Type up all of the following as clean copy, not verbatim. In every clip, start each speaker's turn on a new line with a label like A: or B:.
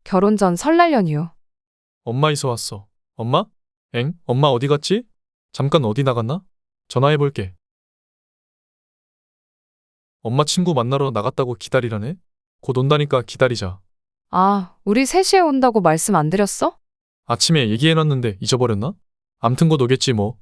A: 결혼 전 설날 연휴.
B: 엄마 이서 왔어. 엄마? 엥? 엄마 어디 갔지? 잠깐 어디 나갔나? 전화해볼게. 엄마 친구 만나러 나갔다고 기다리라네? 곧 온다니까 기다리자.
A: 아, 우리 3시에 온다고 말씀 안 드렸어?
B: 아침에 얘기해놨는데 잊어버렸나? 암튼 곧 오겠지 뭐.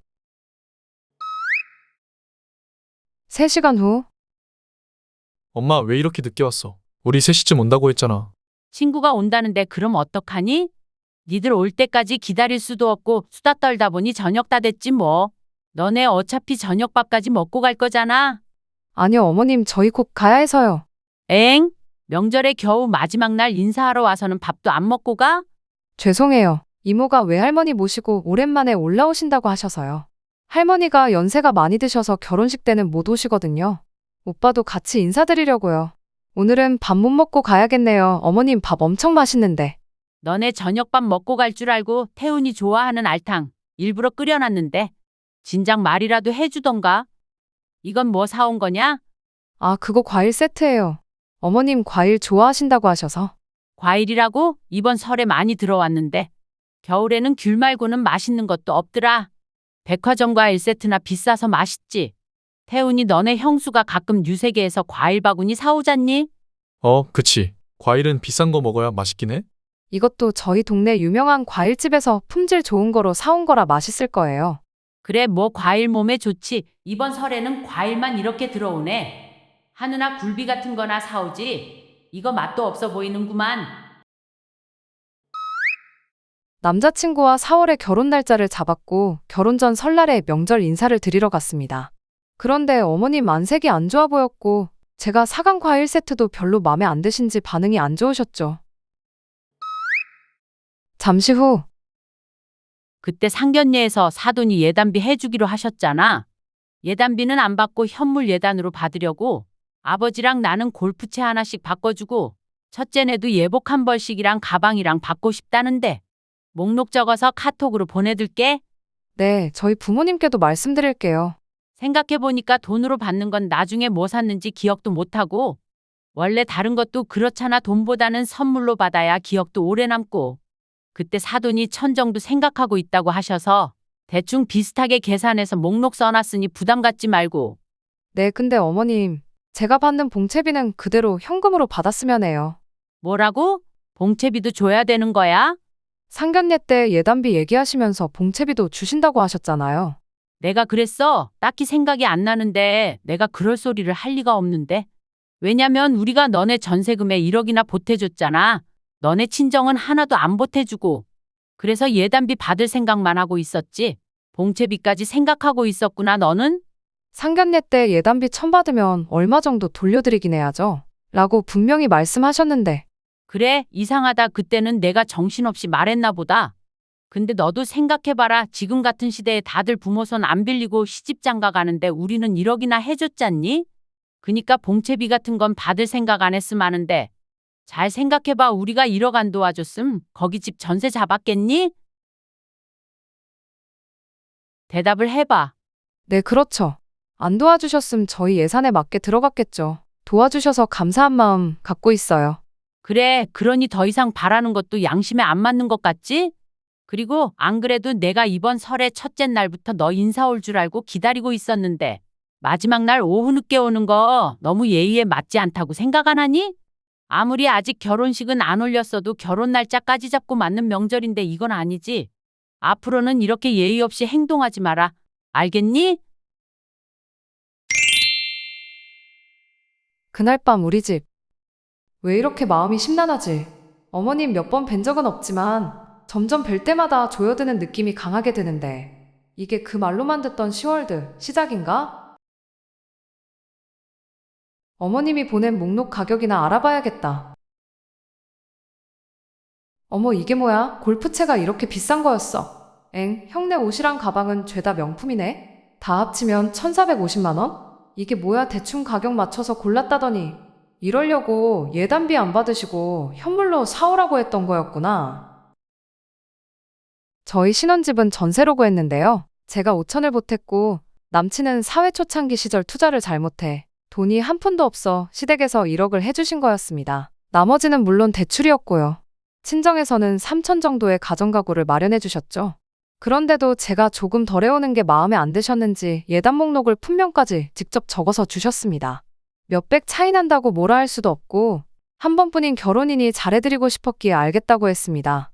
A: 3시간 후.
B: 엄마 왜 이렇게 늦게 왔어? 우리 3시쯤 온다고 했잖아.
C: 친구가 온다는데 그럼 어떡하니? 니들 올 때까지 기다릴 수도 없고 수다 떨다 보니 저녁 다 됐지 뭐. 너네 어차피 저녁밥까지 먹고 갈 거잖아.
A: 아니요, 어머님, 저희 곧 가야 해서요.
C: 엥? 명절에 겨우 마지막 날 인사하러 와서는 밥도 안 먹고 가?
A: 죄송해요. 이모가 외할머니 모시고 오랜만에 올라오신다고 하셔서요. 할머니가 연세가 많이 드셔서 결혼식 때는 못 오시거든요. 오빠도 같이 인사드리려고요. 오늘은 밥 못 먹고 가야겠네요. 어머님 밥 엄청 맛있는데.
C: 너네 저녁밥 먹고 갈 줄 알고 태훈이 좋아하는 알탕 일부러 끓여놨는데 진작 말이라도 해주던가. 이건 뭐 사온 거냐?
A: 아, 그거 과일 세트예요. 어머님 과일 좋아하신다고 하셔서.
C: 과일이라고? 이번 설에 많이 들어왔는데 겨울에는 귤 말고는 맛있는 것도 없더라. 백화점 과일 세트나 비싸서 맛있지. 태훈이 너네 형수가 가끔 유세계에서 과일 바구니 사오잖니?
B: 그치. 과일은 비싼 거 먹어야 맛있긴 해?
A: 이것도 저희 동네 유명한 과일집에서 품질 좋은 거로 사온 거라 맛있을 거예요.
C: 그래 뭐 과일 몸에 좋지. 이번 설에는 과일만 이렇게 들어오네. 한우나 굴비 같은 거나 사오지. 이거 맛도 없어 보이는구만.
A: 남자친구와 4월에 결혼 날짜를 잡았고 결혼 전 설날에 명절 인사를 드리러 갔습니다. 그런데 어머님 안색이 안 좋아 보였고 제가 사간 과일 세트도 별로 마음에 안 드신지 반응이 안 좋으셨죠. 잠시 후.
C: 그때 상견례에서 사돈이 예단비 해주기로 하셨잖아. 예단비는 안 받고 현물 예단으로 받으려고 아버지랑 나는 골프채 하나씩 바꿔주고 첫째네도 예복 한 벌씩이랑 가방이랑 받고 싶다는데 목록 적어서 카톡으로 보내둘게.
A: 네, 저희 부모님께도 말씀드릴게요.
C: 생각해보니까 돈으로 받는 건 나중에 뭐 샀는지 기억도 못하고 원래 다른 것도 그렇잖아. 돈보다는 선물로 받아야 기억도 오래 남고. 그때 사돈이 1,000 정도 생각하고 있다고 하셔서 대충 비슷하게 계산해서 목록 써놨으니 부담 갖지 말고.
A: 네, 근데 어머님, 제가 받는 봉채비는 그대로 현금으로 받았으면 해요.
C: 뭐라고? 봉채비도 줘야 되는 거야?
A: 상견례 때 예단비 얘기하시면서 봉채비도 주신다고 하셨잖아요.
C: 내가 그랬어? 딱히 생각이 안 나는데 내가 그럴 소리를 할 리가 없는데. 왜냐면 우리가 너네 전세금에 1억이나 보태줬잖아. 너네 친정은 하나도 안 보태주고. 그래서 예단비 받을 생각만 하고 있었지. 봉채비까지 생각하고 있었구나 너는?
A: 상견례 때 예단비 1,000 받으면 얼마 정도 돌려드리긴 해야죠. 라고 분명히 말씀하셨는데.
C: 그래, 이상하다. 그때는 내가 정신없이 말했나 보다. 근데 너도 생각해봐라. 지금 같은 시대에 다들 부모 손 안 빌리고 시집 장가 가는데 우리는 1억이나 해줬잖니? 그니까 봉채비 같은 건 받을 생각 안 했음 하는데 잘 생각해봐. 우리가 1억 안 도와줬음 거기 집 전세 잡았겠니? 대답을 해봐.
A: 네, 그렇죠. 안 도와주셨음 저희 예산에 맞게 들어갔겠죠. 도와주셔서 감사한 마음 갖고 있어요.
C: 그래, 그러니 더 이상 바라는 것도 양심에 안 맞는 것 같지? 그리고 안 그래도 내가 이번 설의 첫째 날부터 너 인사 올 줄 알고 기다리고 있었는데 마지막 날 오후 늦게 오는 거 너무 예의에 맞지 않다고 생각 안 하니? 아무리 아직 결혼식은 안 올렸어도 결혼 날짜까지 잡고 맞는 명절인데 이건 아니지. 앞으로는 이렇게 예의 없이 행동하지 마라. 알겠니?
A: 그날 밤 우리 집. 왜 이렇게 마음이 심란하지? 어머님 몇 번 뵌 적은 없지만 점점 뵐 때마다 조여드는 느낌이 강하게 드는데 이게 그 말로만 듣던 10월드 시작인가? 어머님이 보낸 목록 가격이나 알아봐야겠다. 어머, 이게 뭐야? 골프채가 이렇게 비싼 거였어. 엥, 형네 옷이랑 가방은 죄다 명품이네? 다 합치면 1,450만 원? 이게 뭐야? 대충 가격 맞춰서 골랐다더니 이러려고 예단비 안 받으시고 현물로 사오라고 했던 거였구나. 저희 신혼집은 전세로 구했는데요. 제가 5천을 보탰고 남친은 사회 초창기 시절 투자를 잘못해 돈이 한 푼도 없어 시댁에서 1억을 해주신 거였습니다. 나머지는 물론 대출이었고요. 친정에서는 3천 정도의 가정가구를 마련해 주셨죠. 그런데도 제가 조금 덜 해오는 게 마음에 안 드셨는지 예단 목록을 품명까지 직접 적어서 주셨습니다. 몇백 차이 난다고 뭐라 할 수도 없고 한 번뿐인 결혼이니 잘해드리고 싶었기에 알겠다고 했습니다.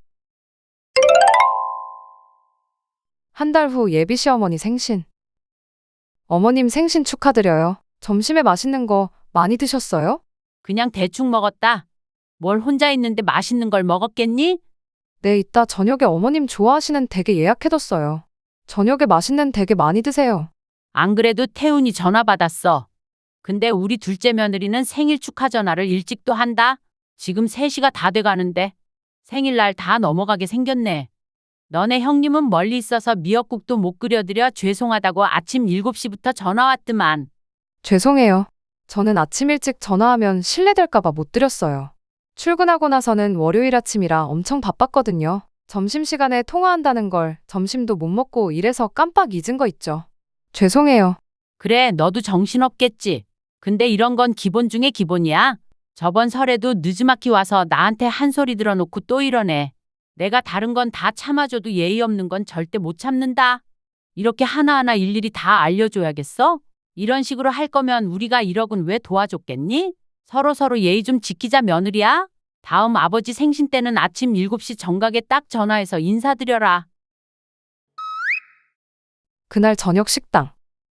A: 한 달 후 예비 시어머니 생신. 어머님 생신 축하드려요. 점심에 맛있는 거 많이 드셨어요?
C: 그냥 대충 먹었다. 뭘 혼자 있는데 맛있는 걸 먹었겠니?
A: 네, 이따 저녁에 어머님 좋아하시는 댁에 예약해뒀어요. 저녁에 맛있는 댁에 많이 드세요.
C: 안 그래도 태훈이 전화 받았어. 근데 우리 둘째 며느리는 생일 축하 전화를 일찍도 한다. 지금 3시가 다 돼가는데 생일날 다 넘어가게 생겼네. 너네 형님은 멀리 있어서 미역국도 못 끓여드려 죄송하다고 아침 7시부터 전화 왔더만.
A: 죄송해요. 저는 아침 일찍 전화하면 실례될까봐 못 드렸어요. 출근하고 나서는 월요일 아침이라 엄청 바빴거든요. 점심시간에 통화한다는 걸 점심도 못 먹고 일해서 깜빡 잊은 거 있죠. 죄송해요.
C: 그래, 너도 정신없겠지. 근데 이런 건 기본 중에 기본이야. 저번 설에도 느즈마키 와서 나한테 한 소리 들어놓고 또 이러네. 내가 다른 건 다 참아줘도 예의 없는 건 절대 못 참는다. 이렇게 하나하나 일일이 다 알려줘야겠어? 이런 식으로 할 거면 우리가 1억은 왜 도와줬겠니? 서로 예의 좀 지키자 며느리야. 다음 아버지 생신 때는 아침 7시 정각에 딱 전화해서 인사드려라.
A: 그날 저녁 식당.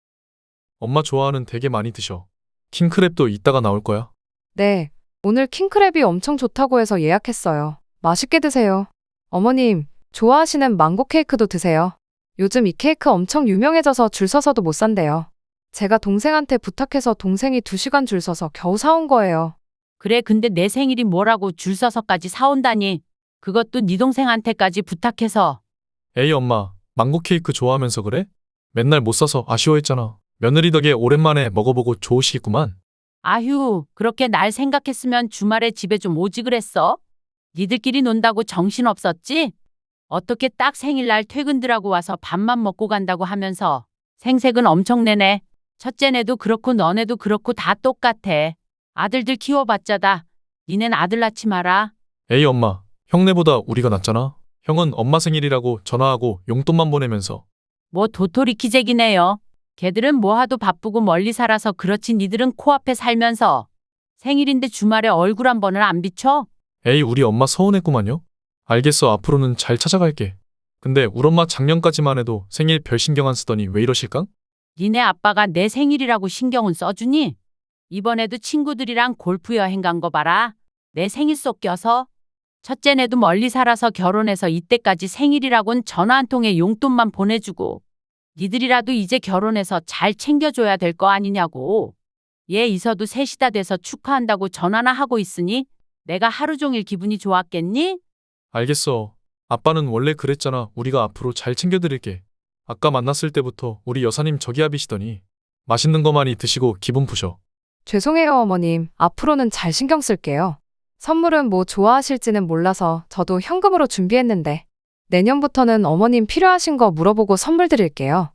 B: 엄마 좋아하는 되게 많이 드셔. 킹크랩도 이따가 나올 거야.
A: 네, 오늘 킹크랩이 엄청 좋다고 해서 예약했어요. 맛있게 드세요. 어머님, 좋아하시는 망고 케이크도 드세요. 요즘 이 케이크 엄청 유명해져서 줄 서서도 못 산대요. 제가 동생한테 부탁해서 동생이 2시간 줄 서서 겨우 사온 거예요.
C: 그래, 근데 내 생일이 뭐라고 줄 서서까지 사온다니. 그것도 네 동생한테까지 부탁해서.
B: 에이 엄마, 망고 케이크 좋아하면서 그래? 맨날 못 사서 아쉬워했잖아. 며느리 덕에 오랜만에 먹어보고 좋으시겠구만.
C: 아휴, 그렇게 날 생각했으면 주말에 집에 좀 오지 그랬어? 니들끼리 논다고 정신없었지? 어떻게 딱 생일날 퇴근들하고 와서 밥만 먹고 간다고 하면서 생색은 엄청 내네. 첫째네도 그렇고 너네도 그렇고 다 똑같아. 아들들 키워봤자다. 니넨 아들 낳지 마라.
B: 에이 엄마, 형네보다 우리가 낫잖아. 형은 엄마 생일이라고 전화하고 용돈만 보내면서.
C: 뭐 도토리 키재기네요. 걔들은 뭐하도 바쁘고 멀리 살아서 그렇지 니들은 코앞에 살면서 생일인데 주말에 얼굴 한 번을 안 비춰?
B: 에이 우리 엄마 서운했구만요. 알겠어, 앞으로는 잘 찾아갈게. 근데 우리 엄마 작년까지만 해도 생일 별 신경 안 쓰더니 왜 이러실까?
C: 니네 아빠가 내 생일이라고 신경은 써주니? 이번에도 친구들이랑 골프 여행 간 거 봐라. 내 생일 속 껴서. 첫째네도 멀리 살아서 결혼해서 이때까지 생일이라곤 전화 한 통에 용돈만 보내주고 니들이라도 이제 결혼해서 잘 챙겨줘야 될 거 아니냐고. 얘 이서도 셋이 다 돼서 축하한다고 전화나 하고 있으니 내가 하루 종일 기분이 좋았겠니?
B: 알겠어. 아빠는 원래 그랬잖아. 우리가 앞으로 잘 챙겨드릴게. 아까 만났을 때부터 우리 여사님 저기압이시더니 맛있는 거 많이 드시고 기분 푸셔.
A: 죄송해요, 어머님. 앞으로는 잘 신경 쓸게요. 선물은 뭐 좋아하실지는 몰라서 저도 현금으로 준비했는데 내년부터는 어머님 필요하신 거 물어보고 선물 드릴게요.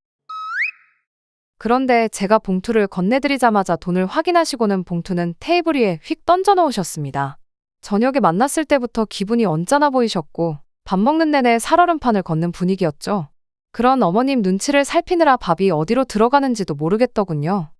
A: 그런데 제가 봉투를 건네드리자마자 돈을 확인하시고는 봉투는 테이블 위에 휙 던져 놓으셨습니다. 저녁에 만났을 때부터 기분이 언짢아 보이셨고 밥 먹는 내내 살얼음판을 걷는 분위기였죠. 그런 어머님 눈치를 살피느라 밥이 어디로 들어가는지도 모르겠더군요.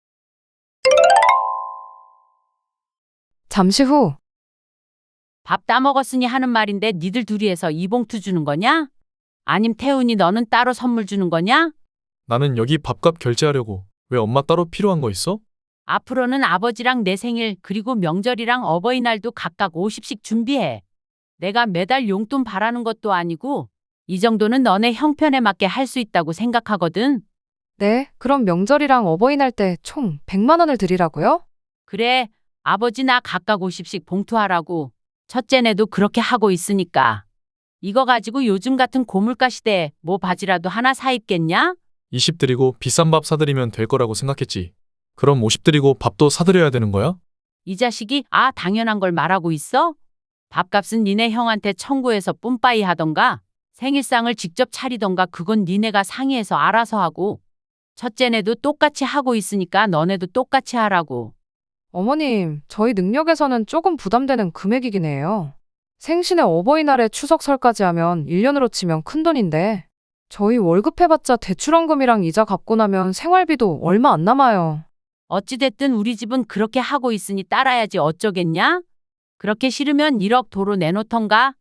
A: 잠시 후
C: 밥 다 먹었으니 하는 말인데 니들 둘이 해서 이 봉투 주는 거냐? 아님 태훈이 너는 따로 선물 주는 거냐?
B: 나는 여기 밥값 결제하려고. 왜 엄마 따로 필요한 거 있어?
C: 앞으로는 아버지랑 내 생일 그리고 명절이랑 어버이날도 각각 50씩 준비해. 내가 매달 용돈 바라는 것도 아니고 이 정도는 너네 형편에 맞게 할 수 있다고 생각하거든.
A: 네, 그럼 명절이랑 어버이날 때 총 100만 원을 드리라고요?
C: 그래, 아버지 나 각각 50씩 봉투하라고. 첫째네도 그렇게 하고 있으니까. 이거 가지고 요즘 같은 고물가 시대에 뭐 바지라도 하나 사 입겠냐?
B: 20 드리고 비싼 밥 사드리면 될 거라고 생각했지. 그럼 50 드리고 밥도 사드려야 되는 거야?
C: 이 자식이 당연한 걸 말하고 있어? 밥값은 니네 형한테 청구해서 뿜빠이 하던가 생일상을 직접 차리던가 그건 니네가 상의해서 알아서 하고 첫째네도 똑같이 하고 있으니까 너네도 똑같이 하라고.
A: 어머님, 저희 능력에서는 조금 부담되는 금액이긴 해요. 생신에 어버이날에 추석 설까지 하면 1년으로 치면 큰돈인데 저희 월급 해봤자 대출원금이랑 이자 갚고 나면 생활비도 얼마 안 남아요.
C: 어찌됐든 우리 집은 그렇게 하고 있으니 따라야지 어쩌겠냐? 그렇게 싫으면 1억 도로 내놓던가?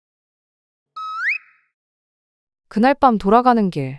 A: 그날 밤 돌아가는 길.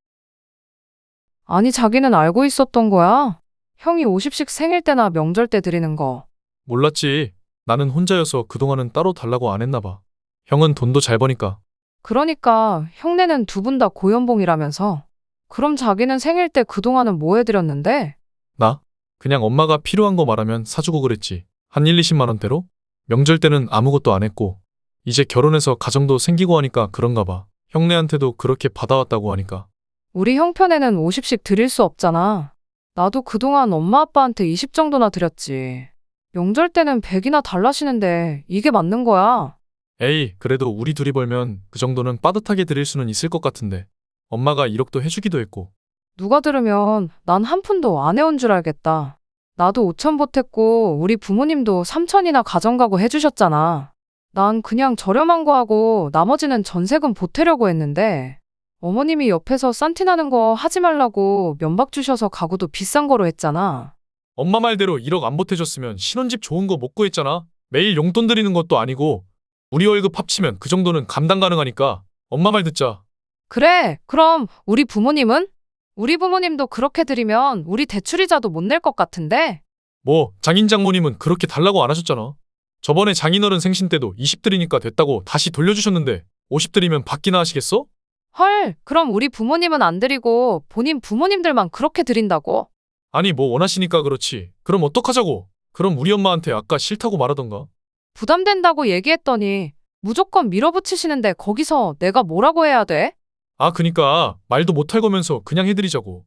A: 아니 자기는 알고 있었던 거야? 형이 50씩 생일 때나 명절 때 드리는 거.
B: 몰랐지. 나는 혼자여서 그동안은 따로 달라고 안 했나 봐. 형은 돈도 잘 버니까.
A: 그러니까 형네는 두 분 다 고연봉이라면서. 그럼 자기는 생일 때 그동안은 뭐 해드렸는데?
B: 나? 그냥 엄마가 필요한 거 말하면 사주고 그랬지. 한 1, 20만 원대로? 명절 때는 아무것도 안 했고. 이제 결혼해서 가정도 생기고 하니까 그런가 봐. 형네한테도 그렇게 받아왔다고 하니까.
A: 우리 형편에는 50씩 드릴 수 없잖아. 나도 그동안 엄마 아빠한테 20 정도나 드렸지. 명절 때는 100이나 달라시는데 이게 맞는 거야?
B: 에이, 그래도 우리 둘이 벌면 그 정도는 빠듯하게 드릴 수는 있을 것 같은데. 엄마가 1억도 해주기도 했고.
A: 누가 들으면 난 한 푼도 안 해온 줄 알겠다. 나도 5천 보탰고 우리 부모님도 3천이나 가정가구 해주셨잖아. 난 그냥 저렴한 거 하고 나머지는 전세금 보태려고 했는데 어머님이 옆에서 싼티나는 거 하지 말라고 면박 주셔서 가구도 비싼 거로 했잖아.
B: 엄마 말대로 1억 안 보태줬으면 신혼집 좋은 거 못 구했잖아. 매일 용돈 드리는 것도 아니고. 우리 월급 합치면 그 정도는 감당 가능하니까 엄마 말 듣자.
A: 그래, 그럼 우리 부모님은? 우리 부모님도 그렇게 드리면 우리 대출이자도 못 낼 것 같은데?
B: 뭐 장인 장모님은 그렇게 달라고 안 하셨잖아. 저번에 장인어른 생신 때도 20 드리니까 됐다고 다시 돌려주셨는데 50 드리면 받기나 하시겠어?
A: 헐, 그럼 우리 부모님은 안 드리고 본인 부모님들만 그렇게 드린다고?
B: 아니 뭐 원하시니까 그렇지. 그럼 어떡하자고. 그럼 우리 엄마한테 아까 싫다고 말하던가.
A: 부담된다고 얘기했더니 무조건 밀어붙이시는데 거기서 내가 뭐라고 해야 돼?
B: 아 그니까 말도 못할 거면서 그냥 해드리자고.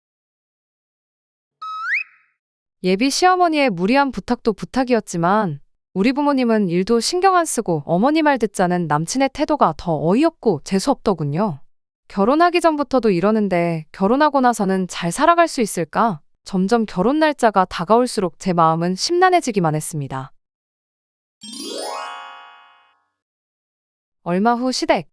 A: 예비 시어머니의 무리한 부탁도 부탁이었지만 우리 부모님은 일도 신경 안 쓰고 어머니 말 듣자는 남친의 태도가 더 어이없고 재수없더군요. 결혼하기 전부터도 이러는데 결혼하고 나서는 잘 살아갈 수 있을까? 점점 결혼 날짜가 다가올수록 제 마음은 심란해지기만 했습니다. 얼마 후 시댁.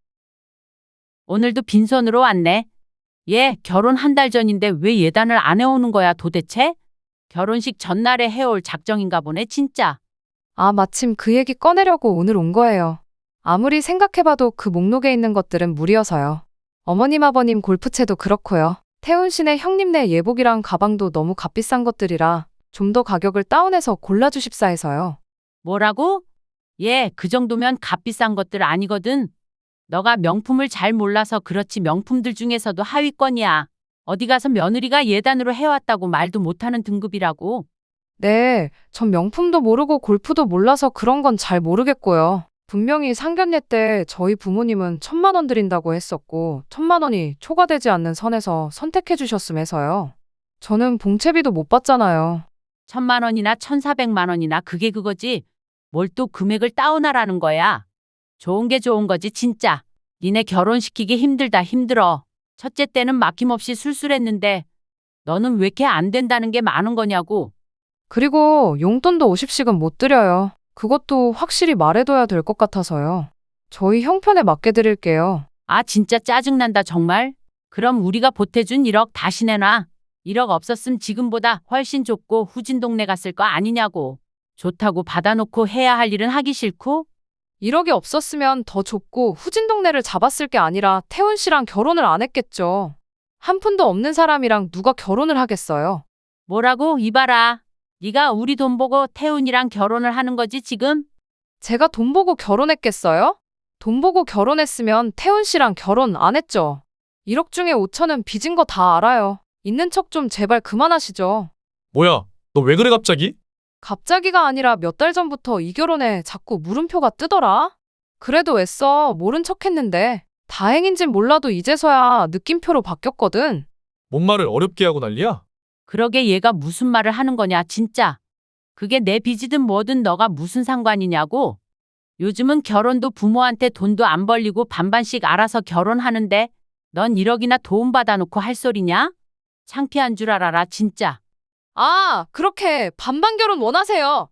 C: 오늘도 빈손으로 왔네. 얘 결혼 한 달 전인데 왜 예단을 안 해오는 거야 도대체? 결혼식 전날에 해올 작정인가 보네 진짜.
A: 아, 마침 그 얘기 꺼내려고 오늘 온 거예요. 아무리 생각해봐도 그 목록에 있는 것들은 무리여서요. 어머님 아버님 골프채도 그렇고요. 태훈 씨네 형님네 예복이랑 가방도 너무 값비싼 것들이라 좀 더 가격을 다운해서 골라주십사 해서요.
C: 뭐라고? 얘 그 정도면 값비싼 것들 아니거든. 너가 명품을 잘 몰라서 그렇지 명품들 중에서도 하위권이야. 어디 가서 며느리가 예단으로 해왔다고 말도 못하는 등급이라고.
A: 네, 전 명품도 모르고 골프도 몰라서 그런 건 잘 모르겠고요. 분명히 상견례 때 저희 부모님은 1,000만 원 드린다고 했었고 1,000만 원이 초과되지 않는 선에서 선택해 주셨음해서요. 저는 봉채비도 못 받잖아요.
C: 1,000만 원이나 1,400만 원이나 그게 그거지. 뭘 또 금액을 다운하라는 거야. 좋은 게 좋은 거지 진짜. 니네 결혼시키기 힘들다 힘들어. 첫째 때는 막힘없이 술술했는데 너는 왜 이렇게 안 된다는 게 많은 거냐고.
A: 그리고 용돈도 50씩은 못 드려요. 그것도 확실히 말해둬야 될 것 같아서요. 저희 형편에 맞게 드릴게요.
C: 아 진짜 짜증난다 정말. 그럼 우리가 보태준 1억 다시 내놔. 1억 없었음 지금보다 훨씬 좁고 후진 동네 갔을 거 아니냐고. 좋다고 받아놓고 해야 할 일은 하기 싫고.
A: 1억이 없었으면 더 좁고 후진 동네를 잡았을 게 아니라 태훈 씨랑 결혼을 안 했겠죠. 한 푼도 없는 사람이랑 누가 결혼을 하겠어요.
C: 뭐라고 이봐라. 네가 우리 돈 보고 태훈이랑 결혼을 하는 거지 지금?
A: 제가 돈 보고 결혼했겠어요? 돈 보고 결혼했으면 태훈 씨랑 결혼 안 했죠. 1억 중에 5천은 빚은 거 다 알아요. 있는 척 좀 제발 그만하시죠.
B: 뭐야, 너 왜 그래 갑자기?
A: 갑자기가 아니라 몇 달 전부터 이 결혼에 자꾸 물음표가 뜨더라. 그래도 애써 모른 척 했는데 다행인진 몰라도 이제서야 느낌표로 바뀌었거든.
B: 뭔 말을 어렵게 하고 난리야?
C: 그러게 얘가 무슨 말을 하는 거냐 진짜. 그게 내 빚이든 뭐든 너가 무슨 상관이냐고. 요즘은 결혼도 부모한테 돈도 안 벌리고 반반씩 알아서 결혼하는데 넌 1억이나 도움 받아놓고 할 소리냐? 창피한 줄 알아라 진짜.
A: 아, 그렇게 반반 결혼 원하세요.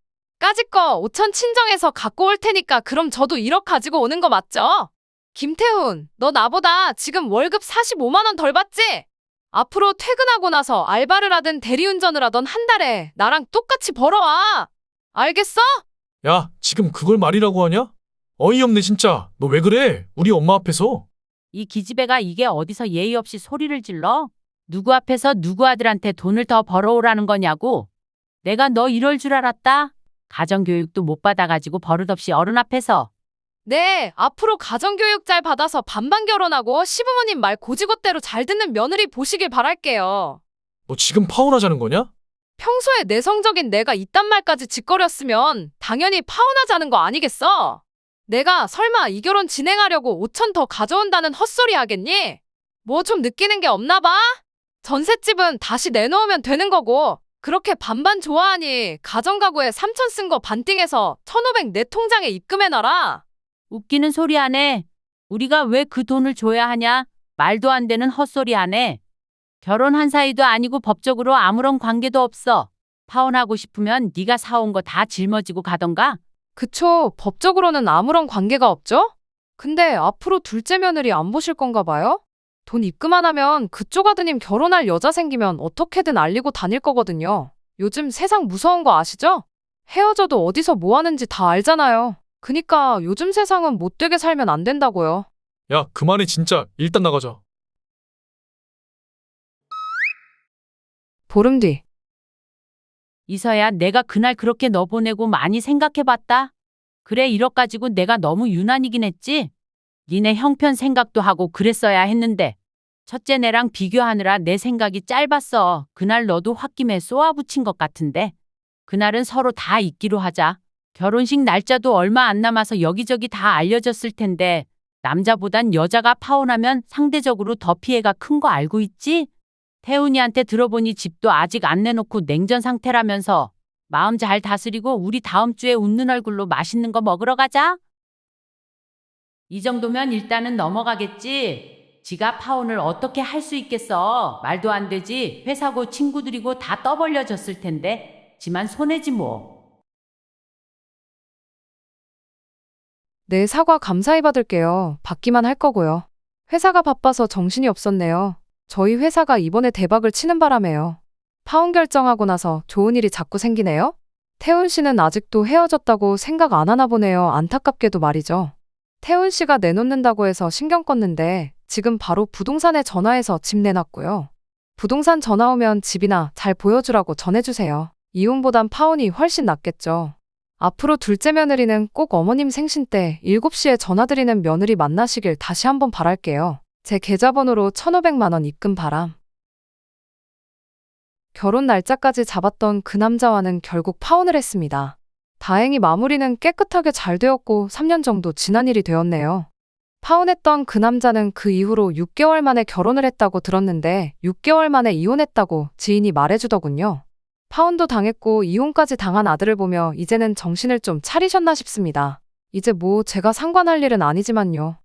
A: 까짓 거 5천 친정에서 갖고 올 테니까 그럼 저도 1억 가지고 오는 거 맞죠? 김태훈, 너 나보다 지금 월급 45만 원 덜 받지? 앞으로 퇴근하고 나서 알바를 하든 대리운전을 하던 한 달에 나랑 똑같이 벌어와. 알겠어?
B: 야, 지금 그걸 말이라고 하냐? 어이없네 진짜. 너 왜 그래? 우리 엄마 앞에서.
C: 이 기집애가 이게 어디서 예의 없이 소리를 질러? 누구 앞에서 누구 아들한테 돈을 더 벌어오라는 거냐고. 내가 너 이럴 줄 알았다? 가정교육도 못 받아가지고 버릇없이 어른 앞에서.
A: 네, 앞으로 가정교육 잘 받아서 반반 결혼하고 시부모님 말 고지고대로 잘 듣는 며느리 보시길 바랄게요.
B: 너 지금 파혼하자는 거냐?
A: 평소에 내성적인 내가 이딴 말까지 짓거렸으면 당연히 파혼하자는 거 아니겠어? 내가 설마 이 결혼 진행하려고 5천 더 가져온다는 헛소리 하겠니? 뭐 좀 느끼는 게 없나 봐? 전셋집은 다시 내놓으면 되는 거고 그렇게 반반 좋아하니 가정가구에 3천 쓴 거 반띵해서 1,500 내 통장에 입금해놔라.
C: 웃기는 소리 안 해. 우리가 왜 그 돈을 줘야 하냐? 말도 안 되는 헛소리 안 해. 결혼한 사이도 아니고 법적으로 아무런 관계도 없어. 파혼하고 싶으면 네가 사온 거 다 짊어지고 가던가?
A: 그쵸, 법적으로는 아무런 관계가 없죠? 근데 앞으로 둘째 며느리 안 보실 건가 봐요? 돈 입금 안 하면 그쪽 아드님 결혼할 여자 생기면 어떻게든 알리고 다닐 거거든요. 요즘 세상 무서운 거 아시죠? 헤어져도 어디서 뭐 하는지 다 알잖아요. 그니까 요즘 세상은 못되게 살면 안 된다고요.
B: 야, 그만해 진짜. 일단 나가자.
A: 보름 뒤.
C: 이서야 내가 그날 그렇게 너 보내고 많이 생각해봤다. 그래 1억 가지고 내가 너무 유난이긴 했지. 니네 형편 생각도 하고 그랬어야 했는데 첫째 내랑 비교하느라 내 생각이 짧았어. 그날 너도 홧김에 쏘아붙인 것 같은데. 그날은 서로 다 잊기로 하자. 결혼식 날짜도 얼마 안 남아서 여기저기 다 알려졌을 텐데 남자보단 여자가 파혼하면 상대적으로 더 피해가 큰 거 알고 있지? 태훈이한테 들어보니 집도 아직 안 내놓고 냉전 상태라면서. 마음 잘 다스리고 우리 다음 주에 웃는 얼굴로 맛있는 거 먹으러 가자. 이 정도면 일단은 넘어가겠지. 지가 파혼을 어떻게 할 수 있겠어. 말도 안 되지. 회사고 친구들이고 다 떠벌려졌을 텐데. 지만 손해지 뭐.
A: 네, 사과 감사히 받을게요. 받기만 할 거고요. 회사가 바빠서 정신이 없었네요. 저희 회사가 이번에 대박을 치는 바람에요. 파혼 결정하고 나서 좋은 일이 자꾸 생기네요. 태훈 씨는 아직도 헤어졌다고 생각 안 하나 보네요. 안타깝게도 말이죠. 태훈 씨가 내놓는다고 해서 신경 껐는데 지금 바로 부동산에 전화해서 집 내놨고요. 부동산 전화 오면 집이나 잘 보여주라고 전해주세요. 이혼보단 파혼이 훨씬 낫겠죠. 앞으로 둘째 며느리는 꼭 어머님 생신 때 7시에 전화드리는 며느리 만나시길 다시 한번 바랄게요. 제 계좌번호로 1,500만 원 입금 바람. 결혼 날짜까지 잡았던 그 남자와는 결국 파혼을 했습니다. 다행히 마무리는 깨끗하게 잘 되었고 3년 정도 지난 일이 되었네요. 파혼했던 그 남자는 그 이후로 6개월 만에 결혼을 했다고 들었는데 6개월 만에 이혼했다고 지인이 말해주더군요. 파혼도 당했고 이혼까지 당한 아들을 보며 이제는 정신을 좀 차리셨나 싶습니다. 이제 뭐 제가 상관할 일은 아니지만요.